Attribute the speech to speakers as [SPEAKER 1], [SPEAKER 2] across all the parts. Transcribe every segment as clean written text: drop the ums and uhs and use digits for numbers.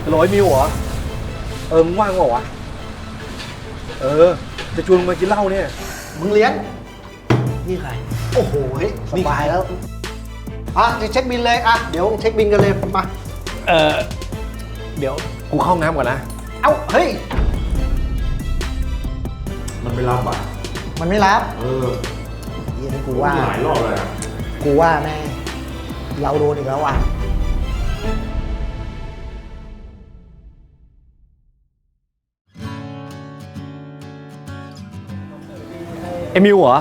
[SPEAKER 1] 100 มิลเหรอมึงว่างเหรอวะจะชวนมึงมากินเหล้าเนี่ย
[SPEAKER 2] มึงเลี้ยง
[SPEAKER 1] นี่ใคร
[SPEAKER 2] โอ้โหสบายแล้วจะเช็คบินเลยเดี๋ยวเช็คบินกันเลยมา
[SPEAKER 1] เดี๋ยวกูเข้าห้องน้ำก่อนนะ
[SPEAKER 2] เฮ้ย
[SPEAKER 3] มันไม่รับอ่ะ
[SPEAKER 2] มันไม่รับ
[SPEAKER 3] ยี่
[SPEAKER 2] นี่กูว่า
[SPEAKER 3] หลายรอบเลย
[SPEAKER 2] กูว่าแม่เราโดนอีกแล้วว่ะ
[SPEAKER 1] ไอ้มิวเหรอ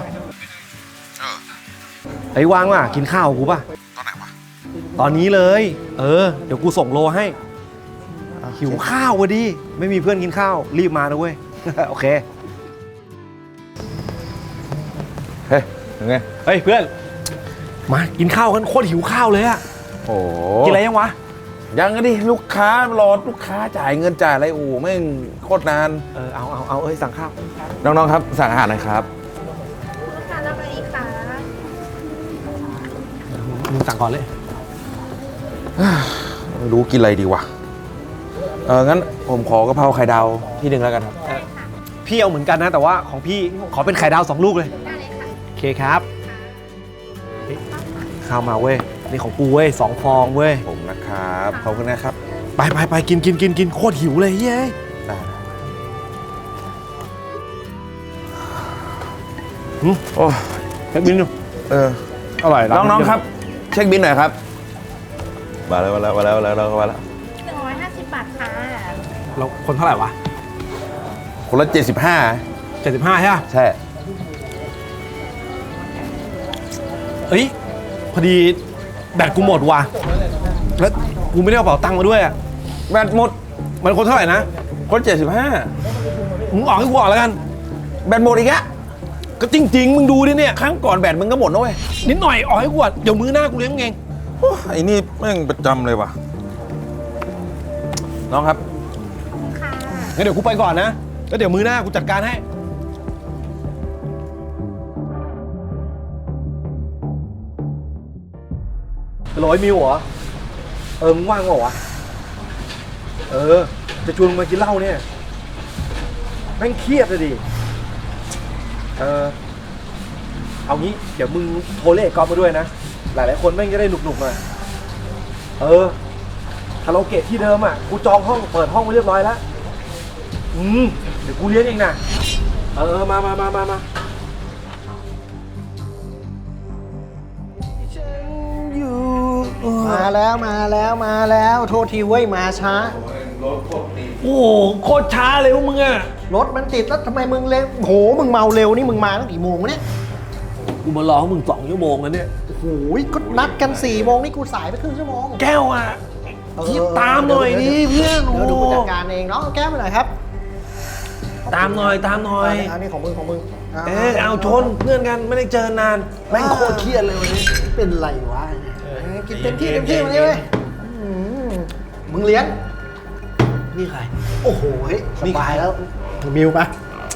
[SPEAKER 1] ไอ้ว่างว่ะกินข้าวกูป่ะ
[SPEAKER 3] ตอนไหนวะ
[SPEAKER 1] ตอนนี้เลยเดี๋ยวกูส่งโลให้หิวข้าววะดิไม่มีเพื่อนกินข้าวรีบมานะเว้ย โอเค
[SPEAKER 3] เฮ้ยยังไง
[SPEAKER 1] เฮ้ยเพื่อนมากินข้าวกันโคตรหิวข้าวเลยอะ
[SPEAKER 3] โอ้
[SPEAKER 1] กินอะไรยังวะ
[SPEAKER 3] ยังไงดิลูกค้ารอลูกค้าจ่ายเงินจ่ายอะไรแม่งโคตรนาน
[SPEAKER 1] เอาสั่งข้าว
[SPEAKER 3] น้องๆครับสั่งอาหารหน่อยครับ
[SPEAKER 4] ลูกค้ารับอะไรคะ
[SPEAKER 1] มึงสั่งก่อนเลย
[SPEAKER 3] ไม่รู้กินอะไรดีวะงั้นผมขอกะเพราไข่ดาวที่หนึ่งแล้วกันครับ
[SPEAKER 1] พี่เอาเหมือนกันนะแต่ว่าของพี่ขอเป็นไข่ดาว2 ลูกเลย
[SPEAKER 4] ได้เลยค่ะ
[SPEAKER 1] โอเคครับข้าวมาเว้ยนี่ของกูเว้ย2 ฟองเว้ย
[SPEAKER 3] ผมนะครับขอบคุณนะครับ
[SPEAKER 1] ไปกินโคตรหิวเลยเฮ้ยโอ้เช็คบินดูอร่อย
[SPEAKER 3] น้องๆครับเช็คบินหน่อยครับมาแล้ว150
[SPEAKER 4] บาทค่ะ
[SPEAKER 1] เราคนเท่าไหร่วะ
[SPEAKER 3] คนละ75
[SPEAKER 1] ใช่ไหม
[SPEAKER 3] ใช่
[SPEAKER 1] พอดีแบตกูหมดว่ะแล้วกูไม่ได้เอาเป๋าตังค์มาด้วยอะ
[SPEAKER 3] แบตหมด
[SPEAKER 1] มันคนเท่าไหร่นะ
[SPEAKER 3] คน
[SPEAKER 1] มึงออกให้กูออกแล้วกัน
[SPEAKER 3] แบตหมดอีกอะ
[SPEAKER 1] ก็จริงๆมึงดูดิเนี่ย
[SPEAKER 3] ครั้งก่อนแบตมึงก็หมดนะเว้ย
[SPEAKER 1] นิดหน่อยออกให้กูอ่ะเดี๋ยวมื้อหน้ากูเลี้ยงเอง
[SPEAKER 3] ไอ้นี่แม่งประจำเลยว่ะน้องครับ
[SPEAKER 4] ค่ะ
[SPEAKER 1] งั้นเดี๋ยวกูไปก่อนนะแล้วเดี๋ยวมื้อหน้ากูจัดการให้100 มิลเหรอมึงว่างเหรอวะจะชวนมึงมากินเหล้าเนี่ยแม่งเครียดเลยดิเอางี้เดี๋ยวมึงโทรเรียกกอล์ฟมาด้วยนะหลายๆคนแม่งจะได้หนุกๆหน่อยคาราโอเกะที่เดิมกูจองห้องเปิดห้องไว้เรียบร้อยแล้วเดี๋ยวกูเลี้ยงเองนะมา
[SPEAKER 2] แล้วโทษทีเว้ยมาช้า
[SPEAKER 1] โอ้โหโคตรช้าเลยพวกมึงอะ
[SPEAKER 2] รถมันติดแล้วทำไมมึงเร็วโหมึงเมาเร็วนี่มึงมาตั้งกี่โมงวะเนี่ย
[SPEAKER 1] กูมารอมึง2 ชั่วโมงแล้วเนี่ย
[SPEAKER 2] โอ้โหก็นัดกัน4 โมงนี่กูสายไปครึ่งชั่วโมง
[SPEAKER 1] แก้วที่ตามหน่อยดิเพื่อน
[SPEAKER 2] เดี๋ยวดูผู้จัดการเองเนาะแก้วไปหน่อยครับ
[SPEAKER 1] ตามหน่อย
[SPEAKER 2] อันนี้ของมึง
[SPEAKER 1] เอาชนเพื่อนกันไม่ได้เจอนานแม่งโคตรเครียดเลยวันนี้
[SPEAKER 2] เป็นไรวะกินเต็มที่วันนี้เว้ยมึงเลี้ยง
[SPEAKER 1] นี่ใคร
[SPEAKER 2] โอ้โหสบายแล้วมิวปะ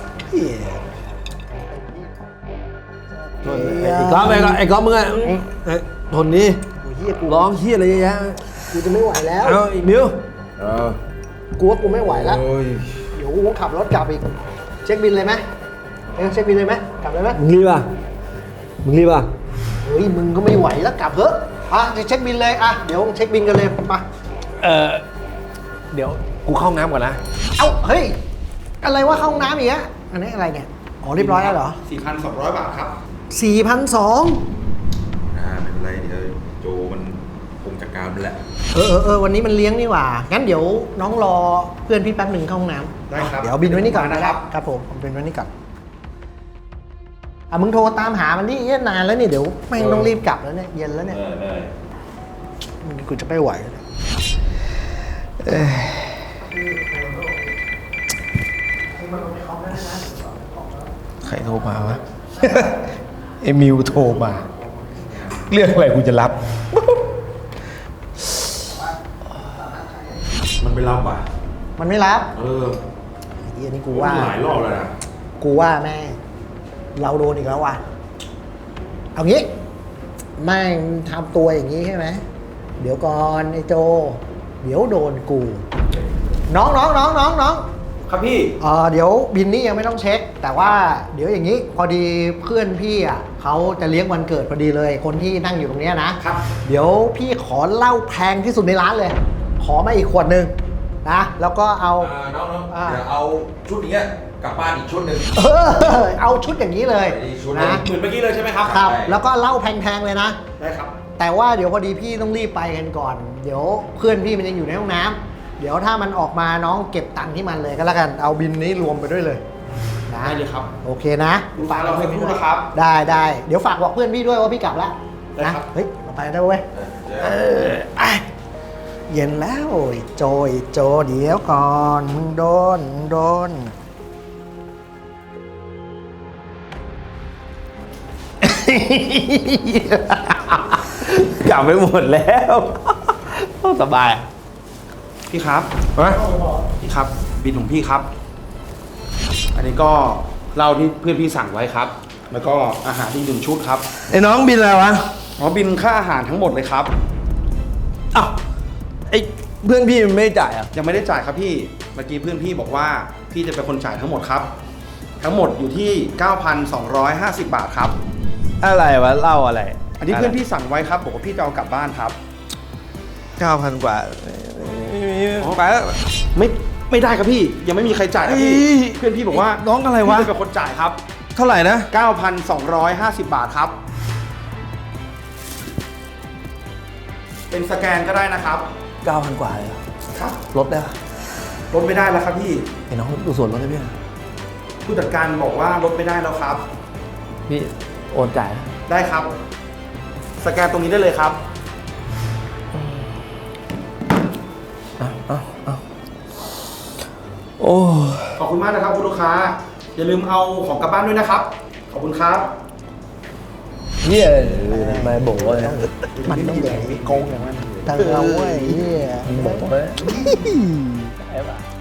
[SPEAKER 1] ไอ้ก๊อฟมึงทนนี่ร้องเฮี้ยอะไรเยอะแยะ
[SPEAKER 2] กูจะไม่ไหวแล้ว
[SPEAKER 1] อีมิว
[SPEAKER 2] กูว่ากูไม่ไหวแล้วเดี๋ยวกูขับรถกลับอีกเช็คบินเลยไหมเช็คบินเลยไหมกลับเลยไหม
[SPEAKER 1] มึงรีบป่ะ
[SPEAKER 2] เฮ้ยมึงก็ไม่ไหวแล้วกลับเถอะจะเช็คบินเลยเดี๋ยวเช็คบินกันเลยมา
[SPEAKER 1] เดี๋ยวกูเข้าห้องน้ำก่อนนะ
[SPEAKER 2] เฮ้ยอะไรว่าเข้าห้องน้ำอีกอันนี้อะไรเนี่ยเรียบร้อยแล้วเหรอ
[SPEAKER 3] 4,200 บาทครับ
[SPEAKER 2] 4,200
[SPEAKER 3] ไม่เป็นไรเดี๋ยวโจมันคงจัดการมันแหละ
[SPEAKER 2] วันนี้มันเลี้ยงนี่หว่างั้นเดี๋ยวน้องรอเพื่อนพี่แป๊บหนึ่งเข้าห้องน้ำ
[SPEAKER 3] ได้ครับ
[SPEAKER 2] เดี๋ยวบินไว้นี่ก่อนนะครับผมบินไว้นี่ก่อนมึงโทรตามหามันนี่นานแล้วนี่เดี๋ยวแม่งต้องรีบกลับแล้วเนี่ยเย็นแล้วเนี่ยกูจะไม่ไหว
[SPEAKER 1] ใครโทรมาวะ ไอ้มิวโทรมาเรื่องอะไรกูจะรับ
[SPEAKER 3] มันไม่รับ
[SPEAKER 2] มันไม่รับอันนี้กูว่า
[SPEAKER 3] หลายรอบแล้วนะ
[SPEAKER 2] กูว่าแม่เราโดนอีกแล้วว่ะเอางี้แม่งทำตัวอย่างนี้ใช่ไหมเดี๋ยวก่อนไอ้โจเดี๋ยวโดนกูน้อง
[SPEAKER 3] ครับพี่
[SPEAKER 2] เดี๋ยวบินนี่ยังไม่ต้องเช็ค แต่ว่าเดี๋ยวอย่างนี้พอดีเพื่อนพี่อ่ะเขาจะเลี้ยงวันเกิดพอดีเลย คนที่นั่งอยู่ตรงเนี้ยนะครับ เดี๋ยวพี่ขอเหล้าแพงที่สุดในร้านเลย ขอมาอีกขวดหนึ่งนะแล้วก็เอา
[SPEAKER 3] น้องเดี๋ยวเอาชุดนี้กลับบ้านอีกชุดหนึ่ง
[SPEAKER 2] เอาชุดอย่างนี้เลย
[SPEAKER 3] ชุดหนึ่ง
[SPEAKER 2] นะ
[SPEAKER 3] เหมือนเมื่อกี้เลยใช่ไหมครับ
[SPEAKER 2] ครับ
[SPEAKER 3] ใช่
[SPEAKER 2] แล้วก็เหล้าแพงๆเลยนะ
[SPEAKER 3] ได้ครับ
[SPEAKER 2] แต่ว่าเดี๋ยวพอดีพี่ต้องรีบไปกันก่อน เดี๋ยวเพื่อนพี่มันยังอยู่ในห้องน้ำเดี๋ยวถ้ามันออกมาน้องเก็บตังค์ที่มันเลยก็แล้วกันเอาบินนี้รวมไปด้วยเลยนะ
[SPEAKER 3] ได้เลยครับ
[SPEAKER 2] โอเคนะ
[SPEAKER 3] ฝากเราให้พูดนะครับ
[SPEAKER 2] ได้เดี๋ยวฝากบอกเพื่อนพี่ด้วยว่าพี่กลับแล้ว
[SPEAKER 3] ได้
[SPEAKER 2] นะครับ เฮ้ยเราไปได้เว้ยไอ้เย็นแล้วไอ้โจเดี๋ยวก่อนมึงโดน
[SPEAKER 1] กลับไปหมดแล้วสบาย
[SPEAKER 3] พี่ครับ
[SPEAKER 1] ฮะ
[SPEAKER 3] พี่ครับ บินของพี่ครับ อันนี้ก็เหล้าที่เพื่อนพี่สั่งไว้ครับ แล้วก็อาหารที่1ชุดครับ
[SPEAKER 1] ไอ้น้องบินอะไรวะ
[SPEAKER 3] อ๋อบินค่าอาหารทั้งหมดเลยครับ
[SPEAKER 1] อ้าวไอ้เพื่อนพี่มันไม่ได้จ่ายอ่ะ
[SPEAKER 3] ยังไม่ได้จ่ายครับพี่ เมื่อกี้เพื่อนพี่บอกว่าพี่จะเป็นคนจ่ายทั้งหมดครับ ทั้งหมดอยู่ที่ 9,250 บาทครับ
[SPEAKER 1] อะไรวะเหล่าอะไร
[SPEAKER 3] อันนี้เพื่อนพี่สั่งไว้ครับบอกว่าพี่จะเอากลับบ้านครับ
[SPEAKER 1] 9,000 กว่าไปแล้ว
[SPEAKER 3] ไม่ได้ครับพี่ ยังไม่มีใครจ่ายครับพี่
[SPEAKER 1] เอ้ย
[SPEAKER 3] เพื่อนพี่บอกว่า
[SPEAKER 1] น้องอะไรวะ
[SPEAKER 3] พี่จะเป็นคนจ่ายครับ
[SPEAKER 1] เท่าไหร่นะ
[SPEAKER 3] 9,250 บาทครับ เป็นสแกนก็ได้นะครับ
[SPEAKER 1] 9,000 กว่าเลยเหรอ
[SPEAKER 3] ครับ
[SPEAKER 1] ลดได้ปะ
[SPEAKER 3] ลดไม่ได้แล้วครับพี่
[SPEAKER 1] ไอ้น้องดูส่วนลดได้พี่
[SPEAKER 3] ผู้จัดการบอกว่าลดไม่ได้แล้วครับ
[SPEAKER 1] พี่โอนจ่ายนะ
[SPEAKER 3] ได้ครับ สแกนตรงนี้ได้เลยครับ
[SPEAKER 1] โอ้
[SPEAKER 3] ขอบคุณมากนะครับคุณลูกค้า อย่าลืมเอาของกลับบ้านด้วยนะครับ ขอบคุณครับ
[SPEAKER 1] เหี้ยทำไมโบ๋เลย
[SPEAKER 2] มันต้องอย่างนี้โกงอย่างนั้นเธอเอาเว้ยเหี้ย
[SPEAKER 1] โบ๋เลยไอ้บ้า